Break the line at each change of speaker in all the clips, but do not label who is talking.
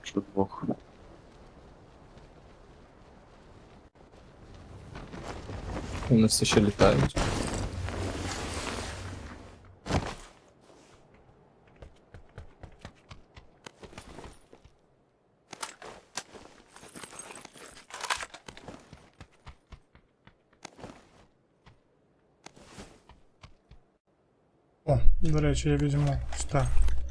Що двох.
Вони все ще літають.
О, до речі, я візьму сюди.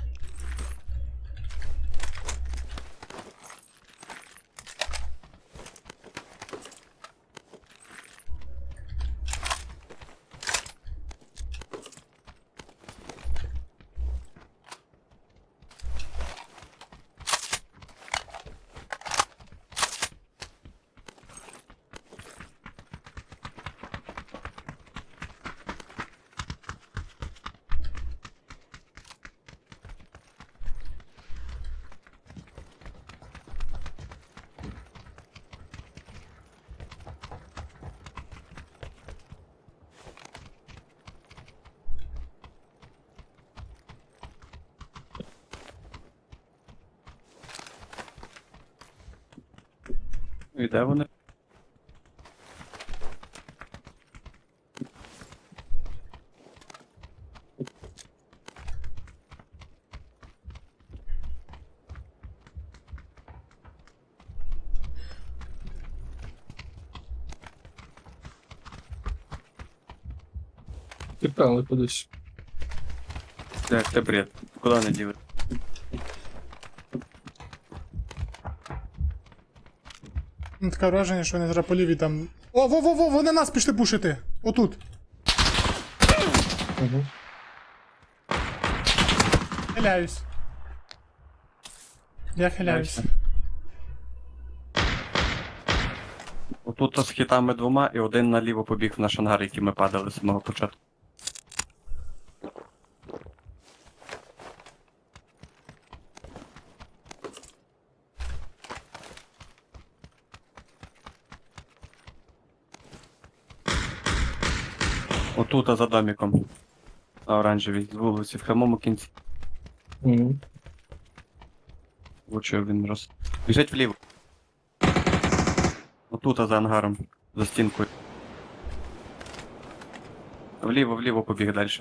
І де вони?
Тікали кудись.
Це бред. Куди вони діли?
Ну, таке враження, що вони зараз по лівій там. О, во-во-во, вони нас пішли пушити! Отут.
Угу.
Хиляюсь. Я хиляюсь.
Отут з хітами двома і один наліво побіг в наш ангар, який ми падали з самого початку. Отут, за домиком. На оранжевій, з вулиці, в самому кінці.
Угу.
Влучив він роз. Біжить вліво. Отут, за ангаром, за стінкою. Вліво побіг далі.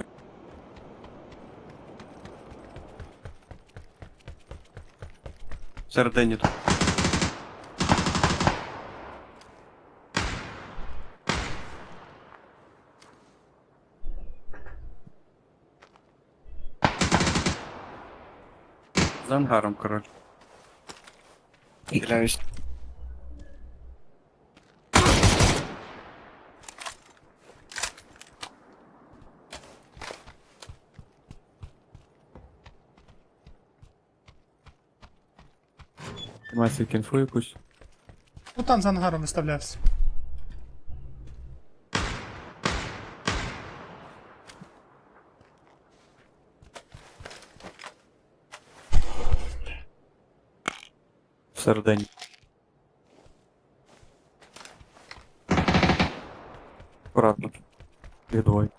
Всередині тут. За ангаром, коротше. Хиляюсь. Має свій кінфу якусь.
Ну там за ангаром виставлявся.
Всередині. Аккуратно. Їх двоє.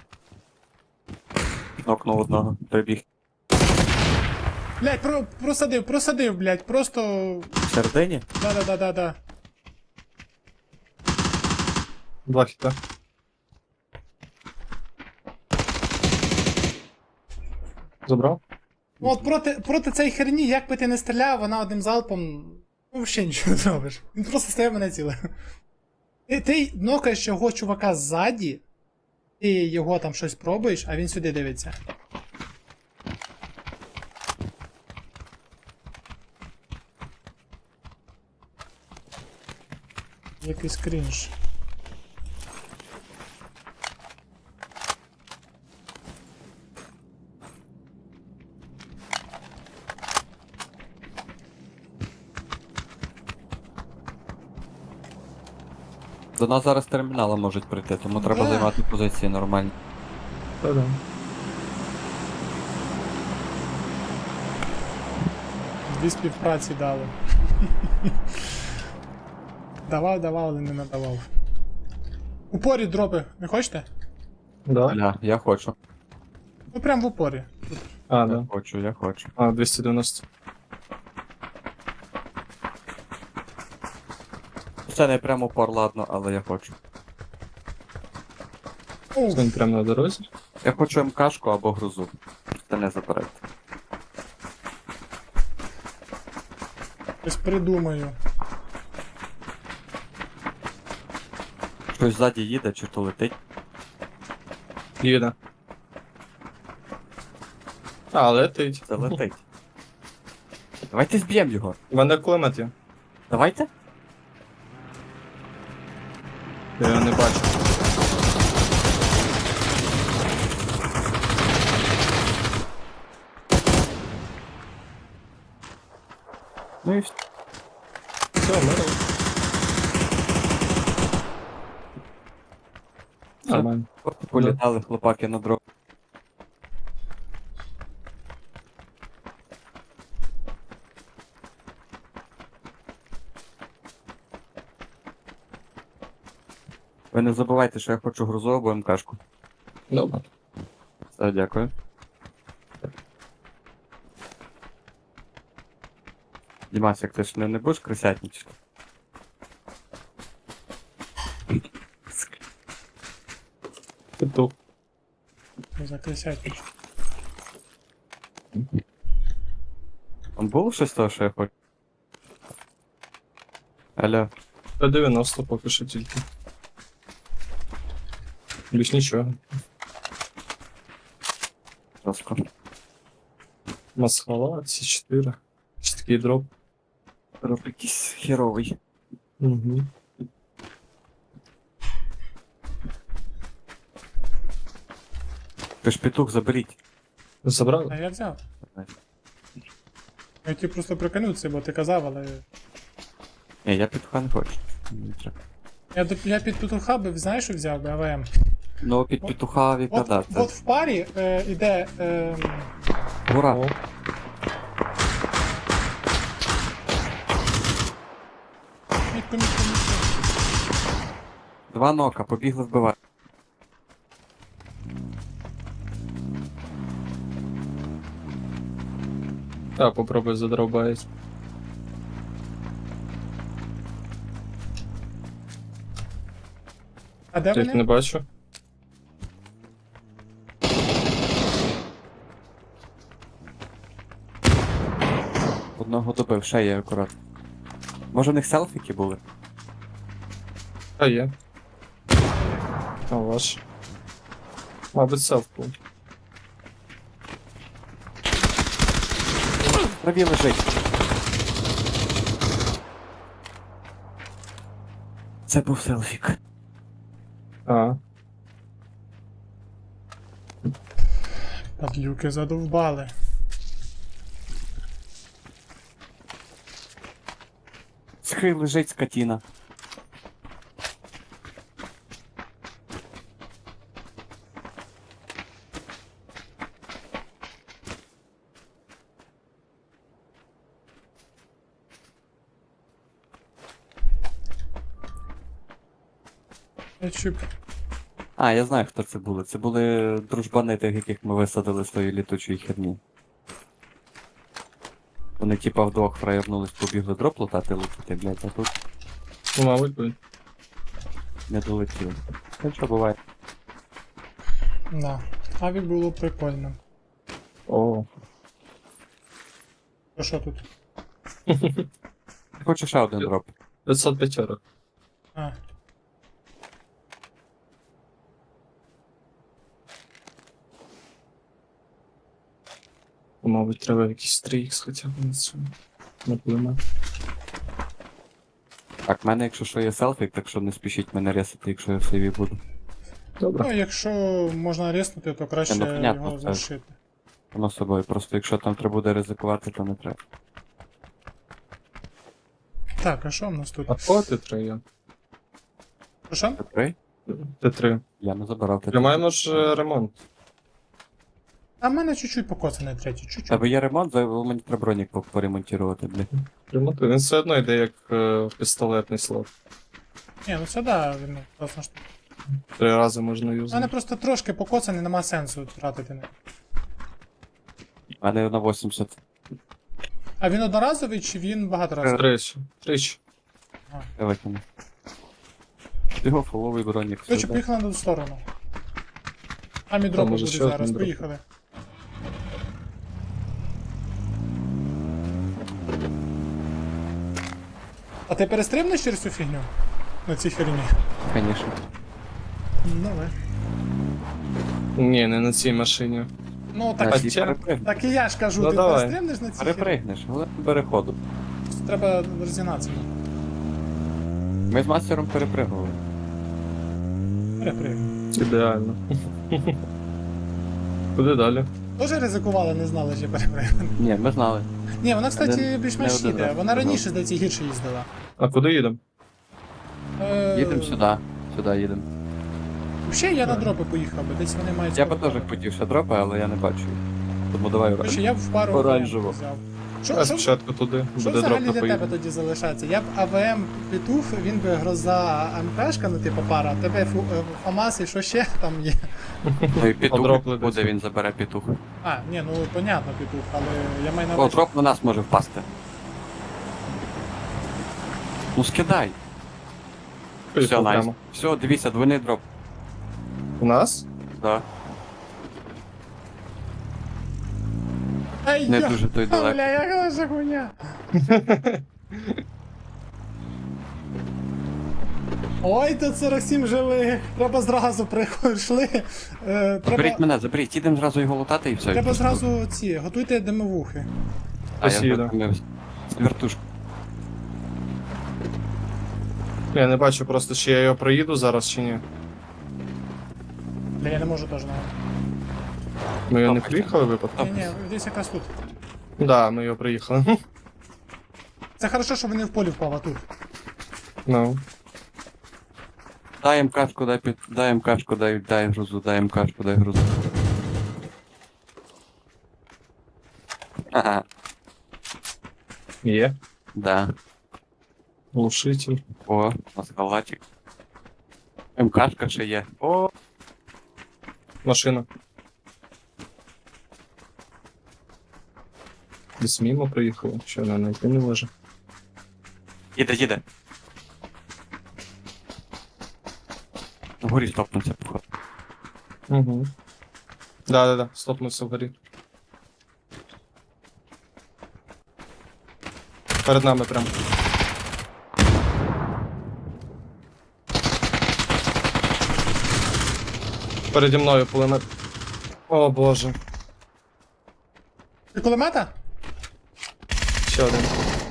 Нокнув одного. Прибіг.
Блять, просадив, блять, просто.
Всередині?
Да.
Два хіта. Забрав?
Ну от проти цієї херні, як би ти не стріляв, вона одним залпом. Ну, взагалі нічого не зробиш. Він просто стає мене ціле. Ти нокаєш його чувака ззаді, ти його там щось пробуєш, а він сюди дивиться. Якийсь крінж.
До нас зараз термінала можуть прийти, тому треба
Да.
займати позиції нормальні.
Та-да.
Дві співпраці дали. Давав, але не надавав. Упорі дропи, не хочете?
Да.
Бля, я хочу.
Ну прям в упорі.
А,
Я
да.
хочу, я хочу.
А, 290.
Це не прямо пор, ладно, але я хочу.
Уф,
Він прямо на дорозі.
Я хочу МКшку або грузу. Це не заберете.
щось придумаю.
Щось ззаді їде чи то летить.
Їде. А, летить.
Це летить. Давайте зб'ємо його.
У мене кулемет є.
Давайте.
Я його не бачу.
Ну і все.
Все, мирно. Нормально.
Політали хлопаки на дрон. Ви не забувайте, що я хочу грузу або МКшку.
Добре.
Все, дякую. Дімасик, ти ж не будеш крисятничати?
Петух.
Закрисять.
Там було щось того, що я хочу? Алло.
Та 90 поки що тільки. Більш нічого.
Жорстко.
Масхала, ці 4. Чіткий дроп.
Роб якийсь херовий.
Угу.
Ти ж петух заберіть.
А
Забрали?
я взяв. Я хотів просто прикинутися, бо ти казав, але.
Ні, я петуха не хочу. Не треба.
Я під петуха би, знаєш, що взяв би АВМ.
Ну, під петуха відкладати.
От в парі іде.
Гура.
О,
Мітко.
Два нока, побігли вбивати.
так, попробуй задробають.
А де
Я їх не
вони?
бачу.
Одного добив, ще є акурат. Може в них селфіки були?
А є. А ваш. Мабуть, селфку.
Траві лежить. Це був селфік.
А,
Падлюки задовбали.
Схи лежить скотіна.
Чіп.
А, я знаю, хто це були. Це були дружбани тих, яких ми висадили з тої літучої херні. Вони типа вдвох фраєрнулись, побігли дроп лутати, блядь, а тут
ну, мабуть, буде.
не долетіли. Ну що буває.
Да. Авік було прикольно.
О,
То що тут?
Хочу ще один дроп.
505.
А,
Мабуть, треба якийсь 3х хоча б на цьому. На кулемет.
Так, в мене, якщо що, є селфік, так що не спішіть мене ресити, якщо я в сейві буду.
Добре.
ну, якщо можна ріснути, то краще
Ну, понятно,
його
це-
залишити.
Воно собою. Просто якщо там треба буде ризикувати, то не треба.
Так, а що в нас тут?
А по Т3 є?
Що?
Т3?
Т3.
Я не забирав Т3.
Тримаємо ж ремонт.
А в мене чуть-чуть покоцаний третій, чуть-чуть.
Тебе є ремонт, мені треба бронік поремонтувати, блядь.
Ремонт. Він все одно йде як пістолетний слот.
Ні, ну це да, він класна штука.
3 рази можна
У мене
юзати.
просто трошки покоцаний, нема сенсу тратити на.
У мене на 80.
А він одноразовий чи він багаторазовий?
Тричі. Тричі.
Я викину. Його фуловий бронік.
Короче,
сюди.
поїхали на ту сторону. Там і дропи
може,
будуть
ще один
зараз,
дроп.
поїхали. А ти перестрибнеш через цю фігню? На цій херні?
Конечно.
Давай.
Ні, не на цій машині.
Ну
А
так,
ті
Хоча-
перепригнеш.
так і я ж кажу,
Ну,
ти
давай.
перестрибнеш на цій херні?
Перепригнеш, але переходу.
Треба розігнатися.
Ми з мастером перепригували.
Перепригну.
Ідеально. Куди далі?
Тоже ризикували, не знали, що перепригну.
Ні, ми знали.
Ні, вона, кстати,
Не-
більш-менш
не один
їде.
раз
Вона
сказав.
раніше, здається, гірше їздила.
А куди їдемо?
Їдемо сюди. Сюди їдемо.
Взагалі я на дропи поїхав би, десь вони мають.
Я би
скоро
теж
падати.
хотів ще дропи, але я не бачу їх. Тому давай
Короче,
оранж.
я б в пару
Оранжево.
АВМ взяв.
А
Що
спочатку туди, буде
взагалі
дроп
для
на
тебе
поїду.
тоді залишається? Я б АВМ Петух, він би гроза МПшка, ну типу пара, а тебе ФАМАС і що ще там є?
Ну і петух
Подропли
буде,
десь.
він забере петух.
А, ні, ну понятно, Петух, але я маю на
О,
увазі.
дроп на нас може впасти. Ну скидай. Все,
Поїхав
найс.
прямо.
Все, дивіться, двойний дроп.
У нас?
Да.
Ай,
Не
я-
дуже той далеко.
Бля, яка ж хуйня. Ой, тут 47 живих. Треба зразу прийшли.
Заберіть
Треба,
мене, заберіть, їдемо зразу його лутати і все.
треба зразу ці, готуйте димовухи.
А я
Посіду.
вже втомився. Вертушку.
Я не бачу просто, чи я його проїду зараз, чи ні.
Бля, я не можу теж навіть.
Ми його не
Топайте.
приїхали випадку?
Ні, ні, десь якраз тут.
Да, ми його приїхали.
Це хорошо, що вони в полі впав, а тут.
Ну.
Дай МКшку, дай МКшку, дай грузу, дай МКшку, дай грузу. Ага,
Є.
да.
Глушитель.
О, у нас халатик. МКшка ще є. О,
Машина. Десь мимо приїхала, що вона знайти не може.
їде. Вгорі стопнувся, походу.
Угу. Да, стопнувся вгорі. Перед нами прям. Переді мною пулемет. О боже.
Ти кулемета?
Ще один.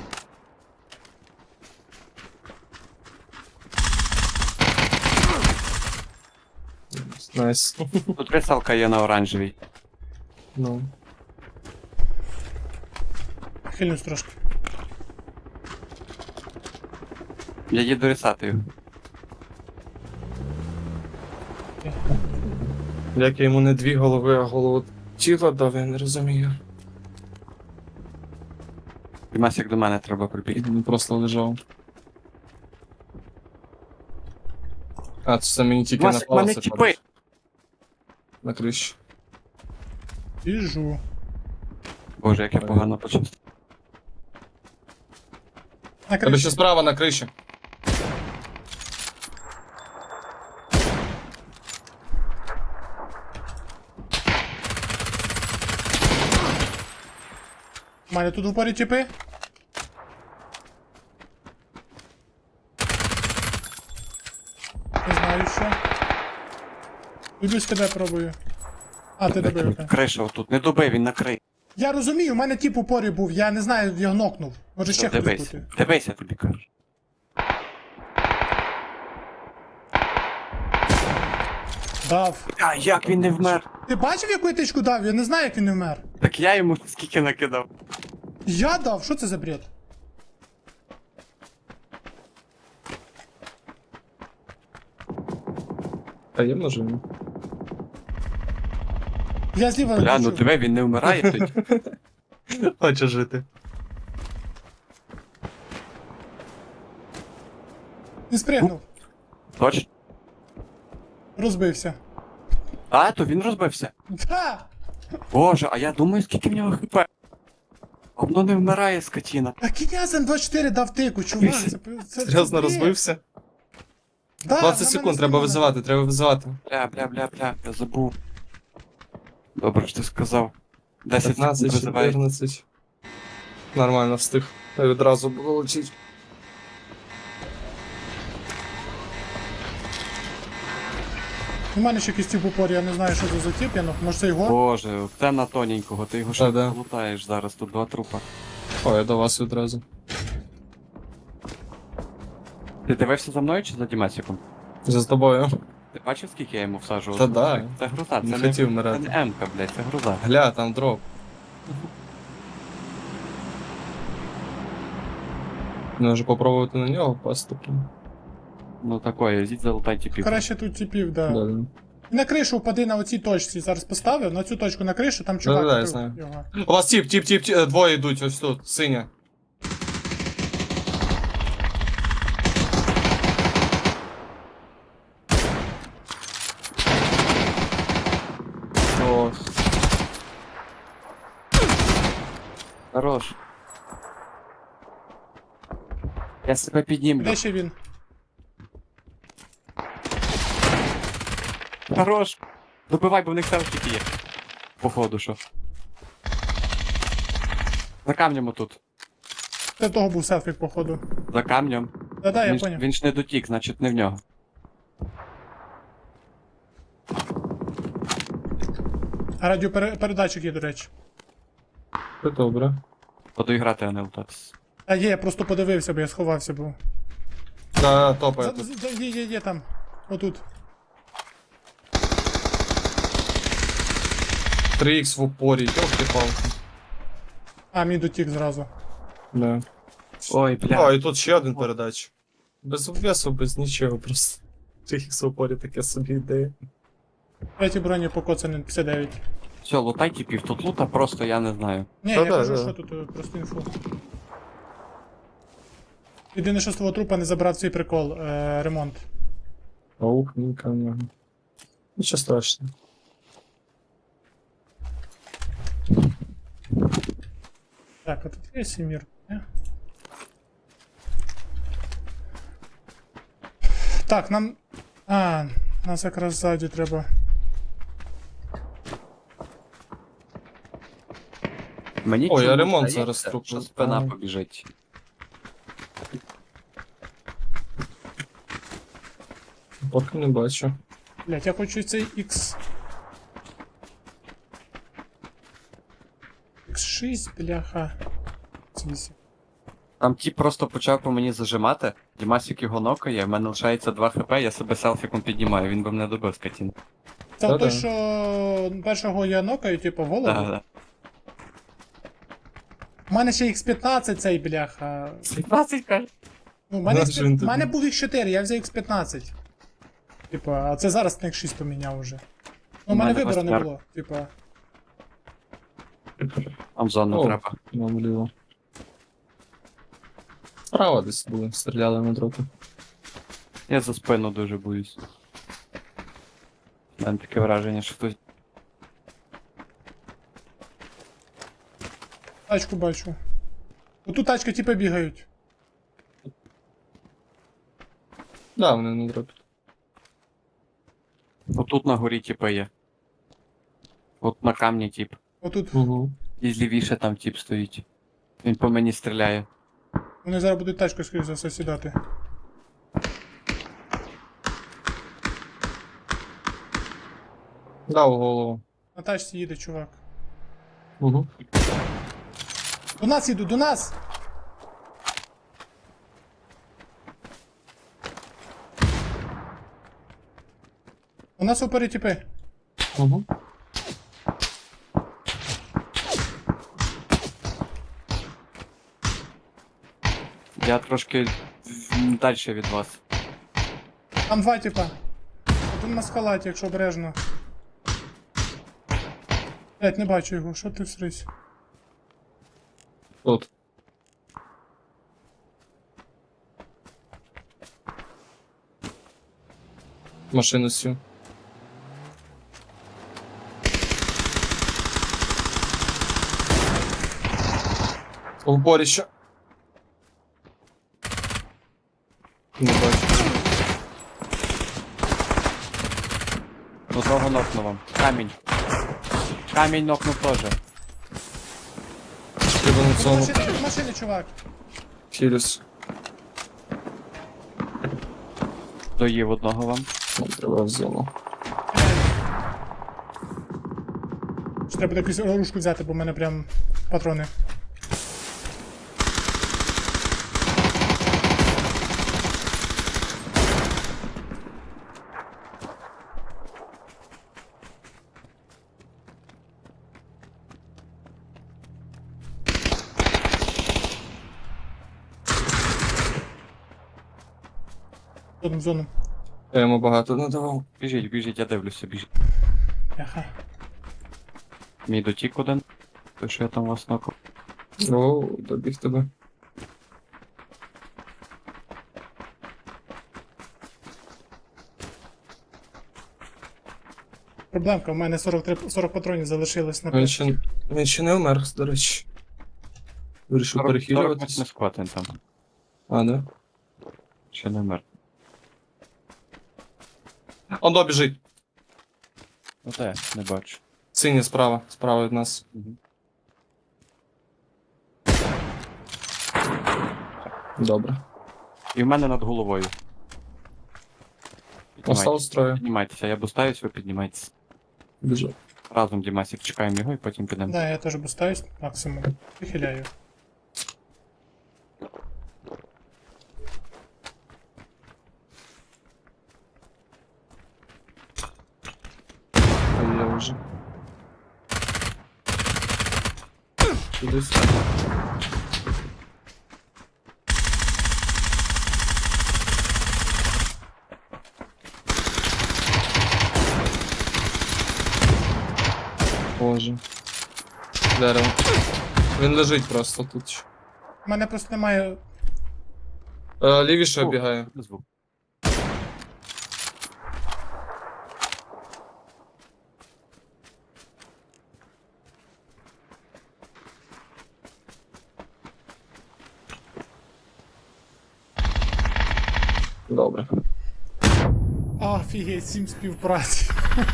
Найс.
Тут рисалка є на оранжевій.
Ну.
Хильнусь трошки.
Я їду рисати його.
Як я йому не дві голови, а голову тіла дав, я не розумію.
Димасик до мене треба прибігти.
Він просто лежав. А, це мені тільки
Димасик,
на
мене
палці
тіпи!
падає. На крищу.
Біжу.
Боже, як я погано почувствував.
На
Тебе
криші.
ще справа на криші.
У мене тут в упорі чіпи. Не знаю що. Іду з тебе пробую. А, ти добив. окей.
Криша отут, не добив, він накрий.
Я розумію, у мене тип в упорі був, я не знаю, його нокнув. Може ще хтось
Дивись,
бути.
дивись, я тобі кажу.
Дав.
А як він не вмер?
Ти бачив, яку я тичку дав? Я не знаю, як він не вмер.
Так я йому скільки накидав.
Я дав, що це за бред?
А є може? Ні?
Я зліва
Бля, ну
лечу.
диви, він не вмирає тоді.
Хоче жити.
Не спригнув.
Точно?
Розбився.
А, то він розбився.
Да!
Боже, а я думаю, скільки в нього хп. Воно не вмирає, скотіна.
А Кінязен 24 дав тику, чувак.
Серйозно
бред.
розбився?
Да,
20
на
секунд,
мене
треба
скинули.
визивати, треба визивати.
Бля, я забув. Добре, що ти сказав. 10 секунд
15,
визиває.
14. Нормально встиг. Та відразу було летіть.
У мене ще якийсь тип упор, я не знаю, що це за тип, я, ну, може це його?
Боже, це на тоненького, ти його ще
Да-да.
лутаєш зараз, тут 2 трупа.
О, я до вас відразу.
Ти дивився за мною чи за Дімасіком?
За тобою.
Ти бачив, скільки я йому всаджував?
Та да.
Це груза,
Не
це
хотів
це
вмирати.
не М-ка, блядь, це груза.
Гля, там дроп. Може попробувати на нього впасти.
Ну такое, йдіть залутай тіпів.
Краще тут типів, да.
Да, да.
На кришу впади на оцій точці, зараз поставив, на цю точку на кришу, там чувак.
Да-да-да, я
вбив
знаю.
його.
У вас тіп, двоє йдуть ось тут, синя. Ох.
Хорош. Я себе піднімлю.
Де ще він?
Хорош. Добивай, бо в них селфіки є. Походу, що. За камнем отут.
Це того був селфік, походу.
За камнем.
Да-да, я
Він,
поняв.
він ж не дотік, значить не в нього.
А радіопередатчик є, до речі.
Це добре.
Подоіграти, а не лутатись.
А є, я просто подивився, бо я сховався був.
Да, топає тут.
Є там. Отут.
3х в упорі, ёлки-палки.
А, мій дотік зразу.
Да.
Ой,
О,
бля.
і тут ще один передач. Без обвесу, без нічого, просто. 3х в упорі таке собі ідея.
Третій броні покоцаний 59.
Все, лутай тіпів. Тут лута просто я не знаю.
Ні,
Та
я
да,
кажу,
да.
що тут просто інфу. Єдине, що з твого трупа не забрав цей прикол, ремонт.
Паук, нікого. Нічого страшного.
Так, а тут є Сімір? Ні? Так, нам. А, нас якраз ззаді треба.
Мені
Ой, я
чомусь
ремонт
здається,
зараз трупу
що спина
ставлю.
побіжить.
Поки не бачу.
Блять, я хочу цей X. X6, бляха. X8.
Там тіп просто почав по мені зажимати, Дімасік його нокає, в мене лишається 2 хп, я себе селфіком піднімаю, він би мене добив, скотін.
Це
Та-да.
той, що першого я нокаю, типу, в голову.
Да.
У мене ще X15 цей, бляха.
17 каже.
Ну, в мене,
Наш він тобі.
мене був X4, я взяв X15. Типа, а це зараз на X6 поміняв уже. Ну, у мене
мене
вибору не
восьмерка.
було. Типа.
Там зону
О.
треба.
Нам вліво. Справа десь були, стріляли на дропі.
Я за спину дуже боюсь. У мене таке враження, що хтось.
Тачку бачу. Отут тачки типа бігають.
Да, вони на дропі.
Отут на горі тіпи є. От на камні тіп.
Отут.
Угу.
І злівіше там тіп стоїть. Він по мені стріляє.
Вони зараз будуть тачку, скоріш за все, сідати.
Да, у голову.
На тачці їде, чувак.
Угу.
До нас їдуть, до нас! У нас опери тіпи.
Угу.
Я трошки далі від вас.
Там два типа. Один на скалаті, якщо обережно. Блять, не бачу його, що ти всрись?
Тут. Машину сю. Упорище. Не бачу.
Одного нокнув вам. Камінь. Камінь нокнув теж.
Треба на
В
цьому
машині, в машині, чувак.
хілюс.
Доїв одного вам.
Треба в зону.
Що треба якусь оружку взяти, бо в мене прям патрони. В зону.
Я йому багато надавав.
Біжіть, біжіть, я дивлюся, біжіть.
Яха.
Мій дотік один. Той, що я там вас нокав.
О, добіг тебе.
Проблемка, в мене 40 патронів залишилось на
Він ще не умер, до речі. Вирішив
40
перехилюватись.
не склад він там.
А, да?
Ще не вмер.
Он добіжить.
Ну де, не бачу.
Синій справа, справа від нас.
Мгм.
Добре.
І в мене над головою.
Осталось
Піднімайтеся,
троє.
піднімайтеся, я бустаюсь, ви піднімайтеся.
Біжу.
Разом, Дімасік, чекаємо його і потім підемо.
Да, я теж бустаюсь максимум. Вихиляю.
А я вже. Кудись. Боже. Дерево. Він лежить просто тут.
У мене просто немає.
Лівіше
О.
обігає.
Звук.
Добре.
Офігеть, 7 співпраці.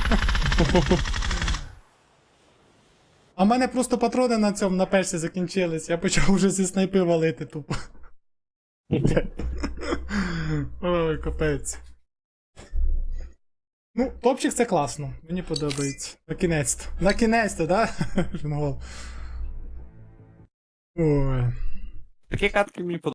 А в мене просто патрони на цьому на персі закінчились. Я почав вже зі снайпи валити тупо. Ой, капець. Ну, топчик це класно. Мені подобається. Накінець-то. Накінець-то, да? Жингол. Ой.
Такі катки мені